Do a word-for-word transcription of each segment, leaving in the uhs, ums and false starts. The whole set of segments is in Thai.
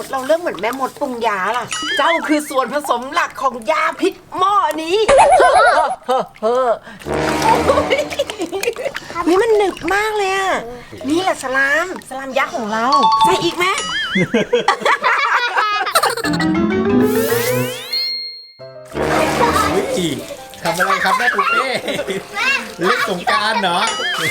เราเริ่มเหมือนแม่มดปรุงยาล่ะ เจ้าคือส่วนผสมหลักของยาพิษหม้อนี้เฮ้อเฮ้อเฮ้อนี่มันหนึบมากเลยอ่ะนี่แหละสลามสลามยักษ์ของเราใส่อีกไหมวิทำอะไรครับแม่ปุ๊เป้เล่นสงกรานต์เหรอ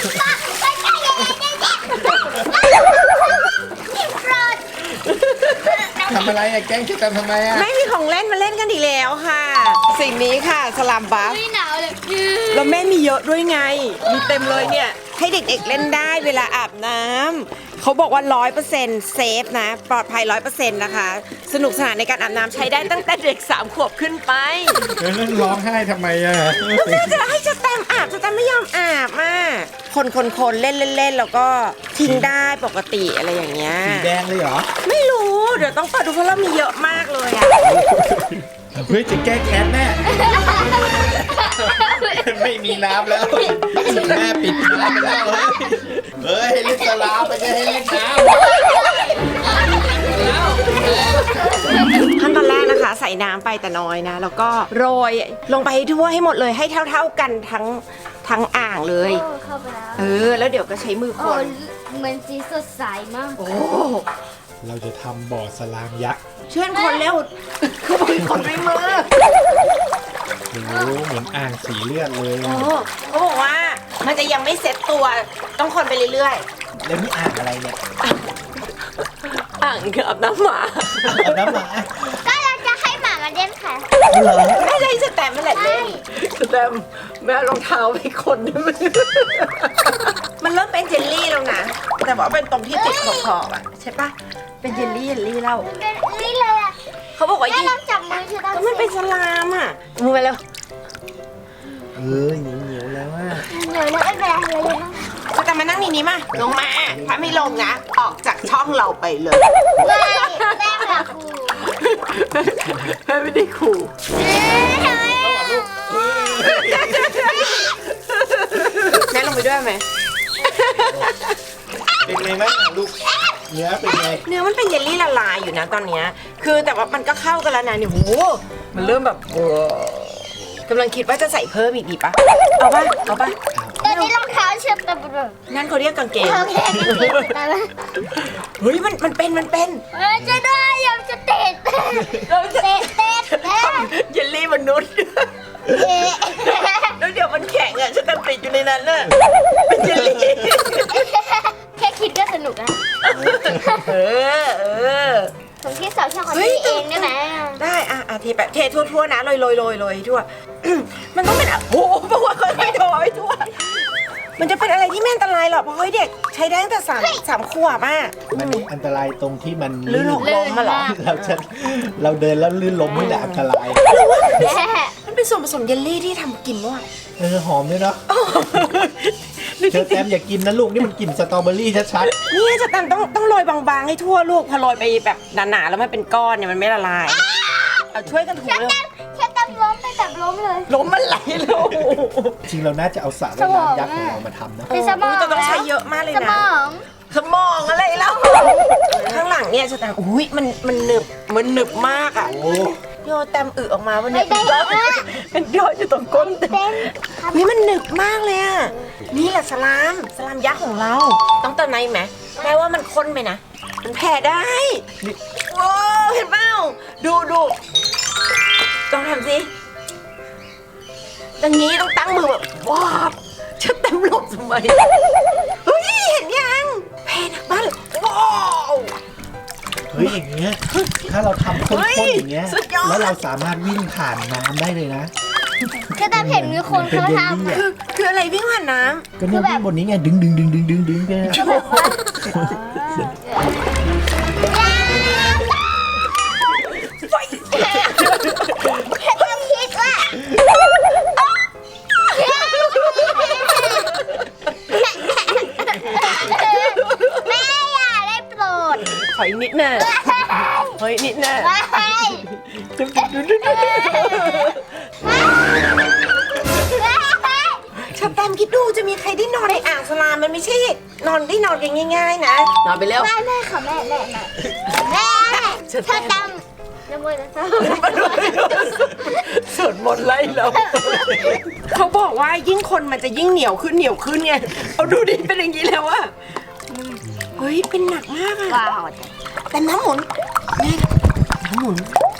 ทำอะไรอะแกล้งคิดกันทำไมอะไม่มีของเล่นมาเล่นกันอีกแล้วค่ะ สิ่งนี้ค่ะสลามบัฟไม่หนาวเลยแล้วแม่มีเยอะด้วยไงมีเต็มเลยเนี่ยให้เด็กๆเล่นได้เวลาอาบน้ำเขาบอกว่า ร้อยเปอร์เซ็นต์ เซฟนะปลอดภัย ร้อยเปอร์เซ็นต์ นะคะสนุกสนานในการอาบน้ำใช้ได้ตั้งแต่เด็กสามขวบขึ้นไปเล่นร้องไห้ทำไมอะแล้วแม่จะให้จะแตมอาบจะแตมไม่ยอมอาบอ่ะคนคนคนเล่นเล่นเล่นแล้วก็ทิ้งได้ปกติอะไรอย่างเงี้ยสีแดงเลยเหรอไม่รู้เดี๋ยวต้องเปิดดูเพราะเรามีเยอะมากเลยอ่ะเฮ้ยจะแก้แค้นแม่ไม่มีน้ำแล้วแม่ปิดน้ำไปแล้วเฮ้ยเล่นสลามไม่ใช่ให้เล่นน้ำขั้นตอนแรกนะคะใส่น้ำไปแต่น้อยนะ แล้วก็โรยลงไปให้ทั่วให้หมดเลยให้เท่าๆกันทั้งทั้งอ่างเลยโอ้เข้าไปแล้วเออแล้วเดี๋ยวก็ใช้มือคโอ้นเหมือนสีสดใสมากโอ้เราจะทำบ่อสลามยักษ์เชื่อนคนเร็วคือมือคนด้วยมือโอ้โหเหมือนอ่างสีเลือดเลยโอ้เขาบอกว่ามันจะยังไม่เซ็ตตัวต้องคนไปเรื่อยแล้วนี่อ่างอะไรเนี่ยๆอ่างเกือบน้ำหมาเอาน้ำหมาก็เราจะให้หมามาเล่นค่ะเหรอไม่ใช่สแตมป์ไม่แหละเล่นสแตมป์แม่รองเท้าไปคนได้ไหมมันเริ่มเป็นเจลลี่แล้วนะแต่ว่าเป็นตรงที่ติดขอบๆอ่ะใช่ปะเป็นเจลลี่เจลลี่แล้วเป็นนี่เลยอ่ะเขาบอกว่าแม่ยิ่งลองจับมือฉันก็มันเป็นสลามอ่ะมือไปเร็วเออเหนียวเหนียวๆแล้วว่าเหนื่อยแล้วไม่เป็นไรเลยนะสแตมป์มานั่งนี่นี้มาลงมาถ้าไม่ลงนะออกจากช่องเราไปเลยไม่แม่ค่ะครูแม่ไม่ได้ขู่เอ๊ะทำไมอ่ะแม่ลงไปด้วยไหมเป็นไงบ้างลูกเนื้อเป็นไงเนื้อมันเป็นเยลลี่ละลายอยู่นะตอนเนี้ยคือแต่ว่ามันก็เข้ากันแล้วนะเนี่ยโหมันเริ่มแบบเออกำลังคิดว่าจะใส่เพิ่มอีกดีปะเอาปะเอาปะตอนนี้รองเท้าเชือกตะบุบนั่นเขาเรียกกางเกงโอเคกันเองแต่ละเฮ้ยมันมันเป็นมันเป็นเออจะได้ยังจะเตะเตะเราจะเตะเตะเตะเยลลี่มนุษย์เตะแล้วเดี๋ยวมันแข็งอ่ะฉันติดอยู่ในนั้นน่ะเป็นเยลลี่แค่คิดก็สนุกแล้วเออเออผมที่สาวชอบของพี่เองได้ไหมได้อ่ะอ่ะเทแบบเททั่วๆนะโรยโรยโรยโรยทั่ว มันต้องเป็นอ่ะโอ้โหเพราะว่าค่อยๆโรยทั่ว มันจะเป็นอะไรที่ไม่อันตรายหรอกเพราะเฮ้ยเด็กใช้ได้ตั้งแต่สามสามขวบอ่ะมันอันตรายตรงที่มันลื่นหกล้มมาเหรอเราจะเราเดินแล้วลื่นล้มนี่แหละอันตรายมันเป็นส่วนผสมเยลลี่ที่ทำกินว่ะเออหอมด้วยเนาะเธอแต้มอย่ากินนะลูกนี่มันกลิ่นสตรอเบอรี่ชัดนี่จะตันต้องต้องโรยบางๆให้ทั่วลูกพอโรยไปแบบหนาๆแล้วมันเป็นก้อนเนี่ยมันไม่ละลายเอาช่วยกันถูเร็วแค่ตั้งล้มไปแบบล้มเลยล้มมันไหลแล้วๆจริงเราน่าจะเอาสระว่ายน้ำยักษ์ของเรามาทำนะเป็นสมองแต่ต้องใช้เยอะมากเลยสนะมองสมองอะไรแล้วข้างหลังเนี่ยจะตันอุ้ยมันมันหนึบมันหนึบมากอ่ะโอ้โยแตมอึออกมาวันไม่นี้ได้เป็นยอดอยู่ตรงก้นเต็มเป็นนี่มันหนึบมากเลยอ่ะนี่แหละสลามสลามยักษ์ของเรา ต้องเติมในไหมแม้ว่ามันข้นไปนะมันแผ่ได้นี่โอ้เห็นเปล่าดูดูต้องทำสิอย่างนี้ต้องตั้งมือแบบว้าวจะเต็มหลบทำไมเฮ้ยเห็นยังแผ่หนักมากเลยว้าวเฮ้ยอย่างเงี้ยถ้าเราทำข้เฮ้นยๆอย่างเงี้ยสุดยอดแล้วเราสามารถวิ่งผ่านน้ำได้เลยนะก็ตามเห็นมีคนเป็นเขาเยลทำลี่อะอะคือคืออะไรวิ่งผ่านน้ก็เนี่ยวิ่งบนนี้ไงดึงดึงดึงดึงดึงดึงไปอะก็แบบว่าแค่ต้องคิดว่าแม่อย่าได้โปรดำถอยนิดน่ะเฮ้ยนิดน่ะไม่ชาแตมคิดดูจะมีใครได้นอนในอ่างสลามมันไม่ใช่นอนได้นอนกันง่ายๆนะนอนไปเร็วไม่แม่ค่ะแม่แม่แม่แม่ชาสุดถ้าแต้มตำน้ำมันนะสวดมนต์ไล่เราเขาบอกว่ายิ่งคนมันจะยิ่งเหนียวขึ้นเหนียวขึ้นไงเอาดูดิเป็นอย่างนี้แล้วอะเฮ้ยเป็นหนักมากอะว้าวแต่น้ำหมุนแม่น้ำหมุน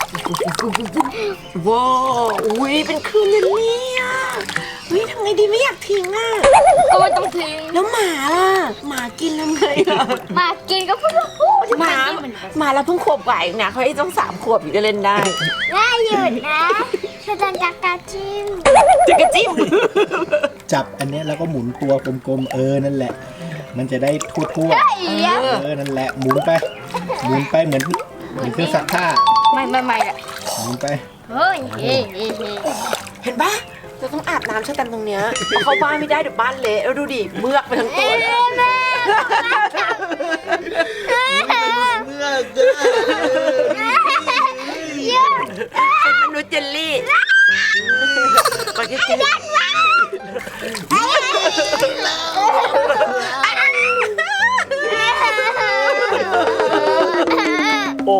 ว้าวอุ้ยเป็นคลื่นเลยเนี่ยเฮ้ยทำไงดีไม่อยากทิ้งอะก็ไม่ต้องทิ้งแล้วหมาล่ะหมากินทำไงอะมากินก็พูดว่าพูดหมาหมาเราเพิ่งขวบกว่าเองนะเขาให้ต้องสามขวบอยู่จะเล่นได้น่าหยุดนะเธอจะจักกาจิ้มจะกระจิ้มจับอันเนี้ยแล้วก็หมุนตัวกลมๆเออนั่นแหละ มันจะได้ทั่วไอ้ๆยะเออนั่นแหละหมุนไปหมุนไปเหมือนเหมือนเครื่องซักผ้าไม่ไม่ไม่ละหมุนไปเฮ้ยเฮ้ยเฮ้ยเฮ้ยเห็นปะเราต้องอาบน้ำช่วยกันตรงเนี้ยเอาเข้าบ้านไม่ได้เดี๋ยวบ้านเละแล้วดูดิเมือกไปทั้งตัวแม่แม่เมื่อเจอเยอะเป็นมนุษย์เจลลี่มันจะกินโอ้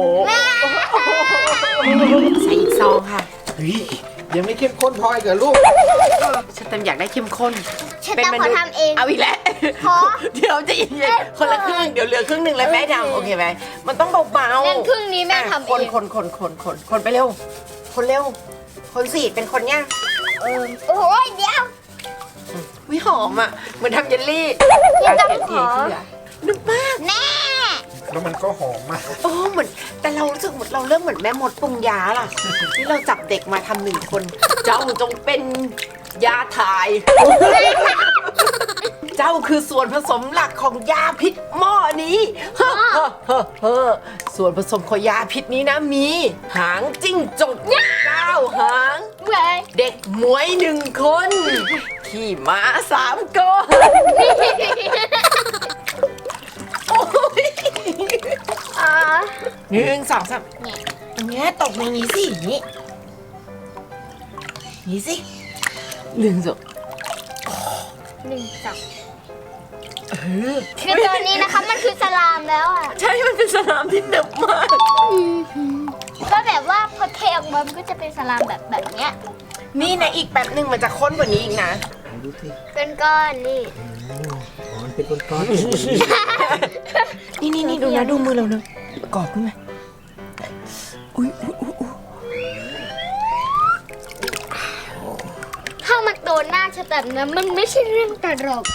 ใส่อีกซองค่ะเฮ้ยยังไม่เข้มข้นพออีกเหรอลูกฉันเต็มอยากได้เข้มข้นฉันต้องขอทำเองเอาอีกแล้วขอเดี๋ยวจะเย็นๆคนละครึ่งเดี๋ยวเหลือครึ่งหนึ่งแล้วแม่ทำโอเคไหมมันต้องเบาๆงั้นครึ่งนี้แม่ทำเองคนคนคนคนคนคนไปเร็ว คนเร็ว คนสิเป็นคนเนี่ยเออโอ้ยเดี๋ยววิหอมอ่ะเหมือนทำเยลลี่ยังต้องเาขอเทที่เหลืนึกมากแม่แล้วมันก็หอมมากโอ้เหมือนแต่เรารู้สึกเหมือนเราเริ่มเหมือนแม่มดปรุงยาล่ะ ที่เราจับเด็กมาทำหนึ่งคน เจ้าจงเป็นยาถ่าย เจ้าคือส่วนผสมหลักของยาพิษหม้อนี้ เฮ้อเฮ้อเฮ้อเฮ้อส่วนผสมของยาพิษนี้นะมี หางจิ้งจกเก้าหางเว้ยเด็กหมวยหนึ่งคน ขี่ม้าสามก้อนโอ้ยอ่าหนึ่งสองสามเนี่ยอันเนี้ยตกในนี้สินี่นี่สิหนึ่งสองหนึ่งสองเออคือตัวนี้นะคะมันคือสลามแล้วอ่ะใช่มันเป็นสนามที่หนึบมากก็แบบว่าพอเทออกมามันก็จะเป็นสลามแบบแบบเนี้ยนี่นะอีกแป๊บหนึ่งมันจะข้นกว่านี้อีกนะดูสิเป็นก้อนนี่อ๋อมันเป็นก้อนนี่นี่นี่ดูนะดูมือเราเนอะกรอบขึ้นไหมอุ้ยอุ้ยอุ้ยอุ๊ยถ้ามันโดนหน้าฉันแบบนั้นมันไม่ใช่เรื่องตลก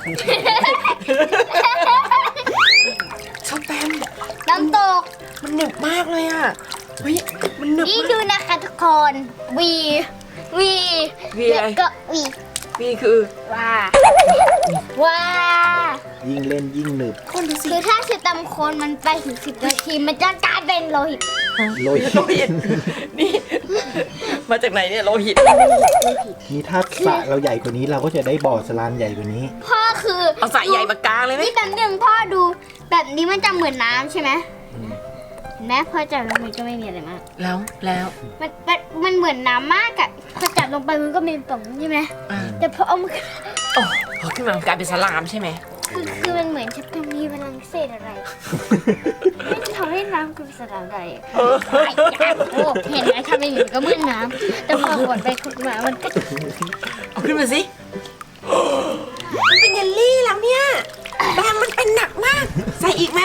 ชอบแปมน้ำตกมันหนึบมากเลยอ่ะเฮ้ยมันหนึบนี่มาดูกนะคะทุกคนวีวีวีอะไรแล้วก็วีนี่คือว้าว้าๆยิ่งเล่นยิ่งหนึบคนดูสิคือถ้าฉันตำโคนมันไปถึงสิบนาทีมันจะกลายเป็นโลหิตโรยโลหิตนี่ มาจากไหนเนี่ยโลหิตนี่ถ้าสระเราใหญ่กว่านี้เราก็จะได้บ่อสลามใหญ่กว่านี้พ่อคือเอาสายใหญ่มากลางเลยไหมนี่แบบหนึ่งพ่อดูแบบนี้มันจะเหมือนน้ำใช่ไหมเห็นไหมพ่อจับลงไปก็ไม่มีอะไรมากแล้วแล้วมันมันมันเหมือนน้ำมากอะพอจับลงไปมันก็เป็นป่องใช่ไหมอ่าแต่พอเอามาโอ้พอขึ้นมามันกลายเป็นสลามใช่ไหมคือคือมันเหมือนจะเป็นมีพลังพิเศษอะไรไม่ทำให้น้ำคือสลามได้ไอ้ยาโอ้เห็นไหมทำเป็นอย่างนี้ก็เหมือนน้ำแต่พอกดไปกดมามันก็เอาขึ้นมาสิมันเป็นเยลลี่แล้วเนี่ยแบมมันเป็นหนักมาก ใส่อีกไหม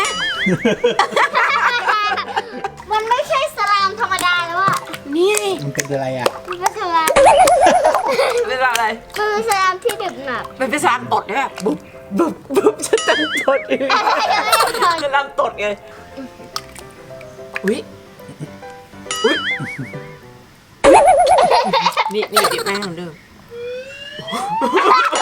มันไม่ใช่สลามธรรมดาแล้วอะนี่ไงมันเป็นอะไรอ่ะมันเป็นสลามเป็นอะไรมันเป็นสลามที่ดึกหนักมันเป็นสลามตดด้วยแบบบุบบุบบุบฉันจะตดเองสลามตดไงอุ้ยอุ้ยอุ๊ยนี่นี่ดิบแม่ของเดิม